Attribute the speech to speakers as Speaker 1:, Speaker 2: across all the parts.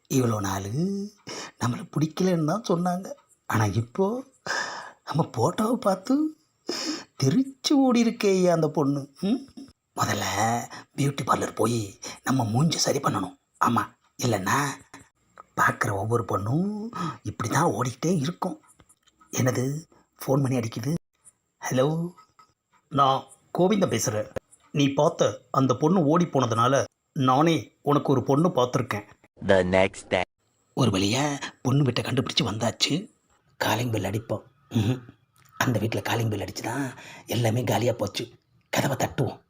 Speaker 1: இவ்வளோ நாள் நம்மளை பிடிக்கலன்னு தான் சொன்னாங்க. ஆனால் இப்போது நம்ம ஃபோட்டோவை பார்த்து தெரிச்சு ஓடி இருக்கே ஐயா அந்த பொண்ணு. முதல்ல பியூட்டி பார்லர் போய் நம்ம மூஞ்சி சரி பண்ணணும். ஆமாம், இல்லைன்னா பார்க்குற ஒவ்வொரு பொண்ணும் இப்படி தான் ஓடிக்கிட்டே இருக்கும். என்னது ஃபோன் பண்ணி அடிக்குது? ஹலோ, நான் கோவிந்தன் பேசுகிறேன். நீ பார்த்த அந்த பொண்ணு ஓடி போனதுனால நானே உனக்கு ஒரு பொண்ணு பார்த்துருக்கேன்.
Speaker 2: The next day.
Speaker 1: ஒரு வழியாக பொண்ணு வீட்டை கண்டுபிடிச்சி வந்தாச்சு. காலிங் பெல் அடிப்போம். அந்த வீட்டில் காலிங் பெல் அடித்து தான் எல்லாமே காலியாக போச்சு. கதவை தட்டுவோம்.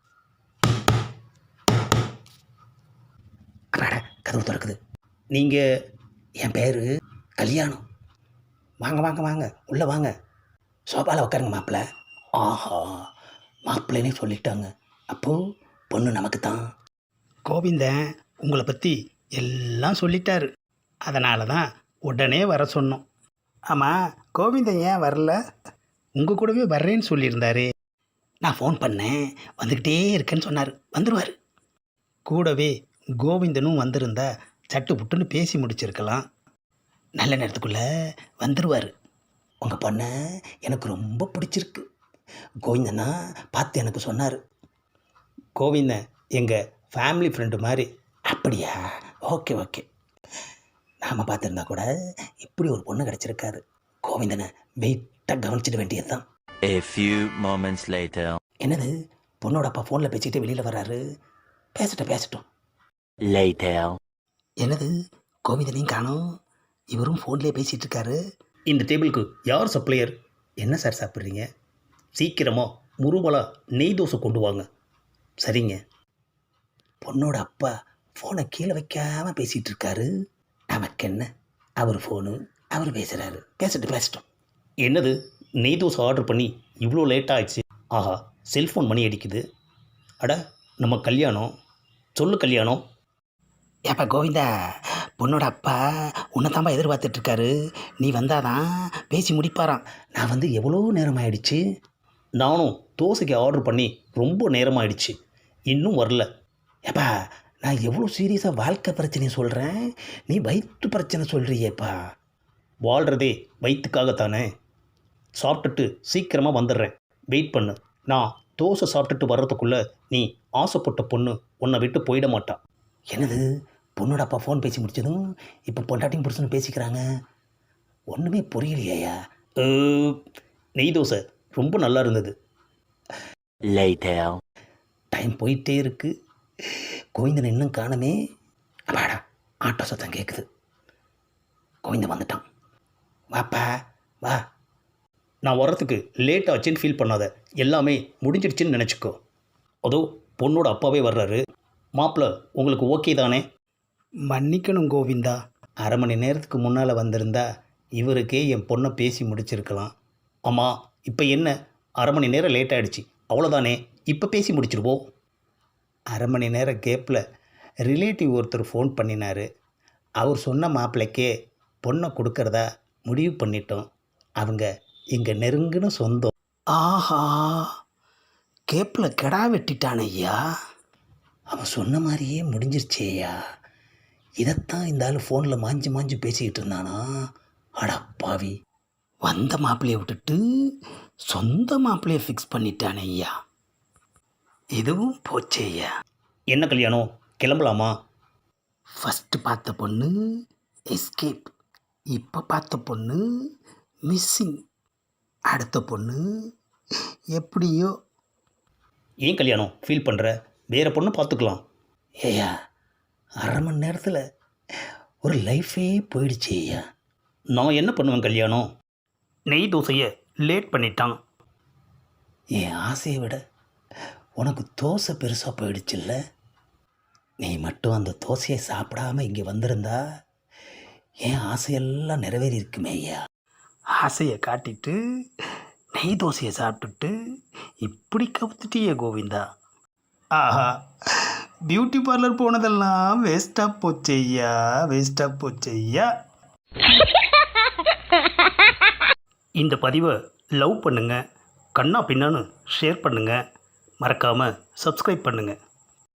Speaker 1: அடாடா, கதவு திறக்குது. நீங்கள், என் பேர் கல்யாணம். வாங்க வாங்க வாங்க, உள்ளே வாங்க. சோபாவில் உட்காருங்க மாப்பிள்ளை. ஆஹா, மாப்பிள்ளைனே சொல்லிட்டாங்க. அப்போது பொண்ணு நமக்கு தான். கோவிந்தன் உங்களை பற்றி எல்லாம் சொல்லிட்டாரு. அதனால தான் உடனே வர சொன்னோம். ஆமாம், கோவிந்தன் ஏன் வரல? உங்கள் கூடவே வர்றேன்னு சொல்லியிருந்தாரு. நான் ஃபோன் பண்ணேன், வந்துக்கிட்டே இருக்கேன்னு சொன்னார். வந்துடுவார். கூடவே கோவிந்தனும் வந்திருந்தா சட்டு புட்டுன்னு பேசி முடிச்சிருக்கலாம். நல்ல நேரத்துக்குள்ளே வந்துடுவார். உங்கள் பொண்ணை எனக்கு ரொம்ப பிடிச்சிருக்கு. கோவிந்தனா பார்த்து எனக்கு சொன்னார். கோவிந்தன் எங்கள் ஃபேமிலி ஃப்ரெண்டு மாதிரி. அப்படியா? Okay okay. நாம் பார்த்துருந்தா கூட இப்படி ஒரு பொண்ணு கிடச்சிருக்காது. கோவிந்தனை வெயிட்டாக கவனிச்சிட வேண்டியது தான்.
Speaker 2: A few moments later.
Speaker 1: என்னது, பொண்ணோட அப்பா ஃபோனில் பேசிக்கிட்டு வெளியில் வர்றாரு. பேசட்டும்.
Speaker 2: Later.
Speaker 1: என்னது, கோவிந்தனையும் காணோம். இவரும் ஃபோன்லேயே பேசிகிட்டு இருக்காரு. இந்த டேபிளுக்கு யார் சப்ளையர்? என்ன சார் சாப்பிட்றீங்க? சீக்கிரமாக முருவலாக நெய் தோசை கொண்டு வாங்க. சரிங்க. பொண்ணோட அப்பா ஃபோனை கீழே வைக்காமல் பேசிகிட்டு இருக்காரு. நமக்கு என்ன, அவர் ஃபோனு, அவர் பேசுகிறாரு. பேசட்டும். என்னது, நெய் தோசை ஆர்டர் பண்ணி இவ்வளோ லேட்டாக ஆயிடுச்சு. ஆஹா, செல்ஃபோன் மணி அடிக்குது. அட, நம்ம கல்யாணம். சொல்லு கல்யாணம். ஏப்பா கோவிந்தா, பொண்ணோட அப்பா உன்னை தான்ப்பா எதிர்பார்த்துட்ருக்காரு. நீ வந்தாதான் பேசி முடிப்பாராம். நான் வந்து எவ்வளோ நேரம் ஆயிடுச்சு. நானும் தோசைக்கு ஆர்டர் பண்ணி ரொம்ப நேரம் ஆயிடுச்சு, இன்னும் வரல. ஏப்பா, நான் எவ்வளோ சீரியஸாக வாழ்க்கை பிரச்சனையை சொல்கிறேன், நீ வயிற்று பிரச்சனை சொல்கிறியேப்பா. வாழ்கிறதே வயிற்றுக்காகத்தானே. சாப்பிட்டுட்டு சீக்கிரமாக வந்துடுறேன், வெயிட் பண்ணு. நான் தோசை சாப்பிட்டுட்டு வர்றதுக்குள்ளே நீ ஆசைப்பட்ட பொண்ணு உன்னை விட்டு போயிட மாட்டான். என்னது, பொண்ணோட அப்பா ஃபோன் பேசி முடிச்சதும் இப்போ பொண்டாட்டியும் புருஷனும் பேசிக்கிறாங்க. ஒன்றுமே புரியலையா? நெய் தோசை ரொம்ப நல்லா இருந்தது.
Speaker 2: Later.
Speaker 1: டைம் போயிட்டே இருக்கு. கோவிந்தன் இன்னும் காணமே. அப்பாடா, ஆட்டோ சத்தம் கேட்குது. கோவிந்தன் வந்துட்டான். வாப்பா வா. நான் வர்றதுக்கு லேட் ஆச்சுன்னு ஃபீல் பண்ணாத, எல்லாமே முடிஞ்சிடுச்சுன்னு நினச்சிக்கோ. அதோ பொண்ணோட அப்பாவே வர்றாரு. மாப்பிள்ளை உங்களுக்கு ஓகே தானே? மன்னிக்கணும் கோவிந்தா, அரை மணி நேரத்துக்கு முன்னால் வந்திருந்தா இவருக்கே என் பொண்ணை பேசி முடிச்சிருக்கலாம். ஆமாம், இப்போ என்ன, அரை மணி நேரம் லேட் ஆகிடுச்சு, அவ்வளோதானே. இப்போ பேசி முடிச்சிருவோம். அரை மணி நேரம் கேப்பில் ரிலேட்டிவ் ஒருத்தர் ஃபோன் பண்ணினார். அவர் சொன்ன மாப்பிள்ளைக்கே பொண்ணை கொடுக்கறதா முடிவு பண்ணிட்டோம். அவங்க எங்கள் நெருங்கின சொந்தம். ஆஹா, கேப்பில் கெடா வெட்டிட்டான் ஐயா. அவன் சொன்ன மாதிரியே முடிஞ்சிருச்சேயா. இதைத்தான் இந்த ஆள் ஃபோனில் மாஞ்சி பேசிக்கிட்டு இருந்தானா? அடப்பாவி, வந்த மாப்பிள்ளையை விட்டுட்டு சொந்த மாப்பிள்ளையை ஃபிக்ஸ் பண்ணிட்டானே ஐயா. இதுவும் போச்சே ஐயா. என்ன கல்யாணம், கிளம்பலாமா? ஃபஸ்ட்டு பார்த்த பொண்ணு எஸ்கேப், இப்போ பார்த்த பொண்ணு மிஸ்ஸிங், அடுத்த பொண்ணு எப்படியோ. ஏன் கல்யாணம் ஃபீல் பண்ணுற? வேறு பொண்ணு பார்த்துக்கலாம். ஏய்யா, அரை மணி நேரத்தில் ஒரு லைஃபே போயிடுச்சு ஐயா. நான் என்ன பண்ணுவேன் கல்யாணம்? நெய் தோசையை லேட் பண்ணிட்டான். என் ஆசையை விட உனக்கு தோசை பெருசாக போயிடுச்சுல்ல. நீ மட்டும் அந்த தோசையை சாப்பிடாமல் இங்கே வந்திருந்தா என் ஆசையெல்லாம் நிறைவேறி இருக்குமே ஐயா. ஆசையை காட்டிட்டு நெய் தோசையை சாப்பிட்டுட்டு இப்படி கவுத்துட்டியே கோவிந்தா. ஆஹா, பியூட்டி பார்லர் போனதெல்லாம் வேஸ்ட்டாக போச்சையா. இந்த பதிவை லவ் பண்ணுங்கள், கண்ணா பின்னான்னு ஷேர் பண்ணுங்கள், மறக்காமல் சப்ஸ்கிரைப் பண்ணுங்கள்.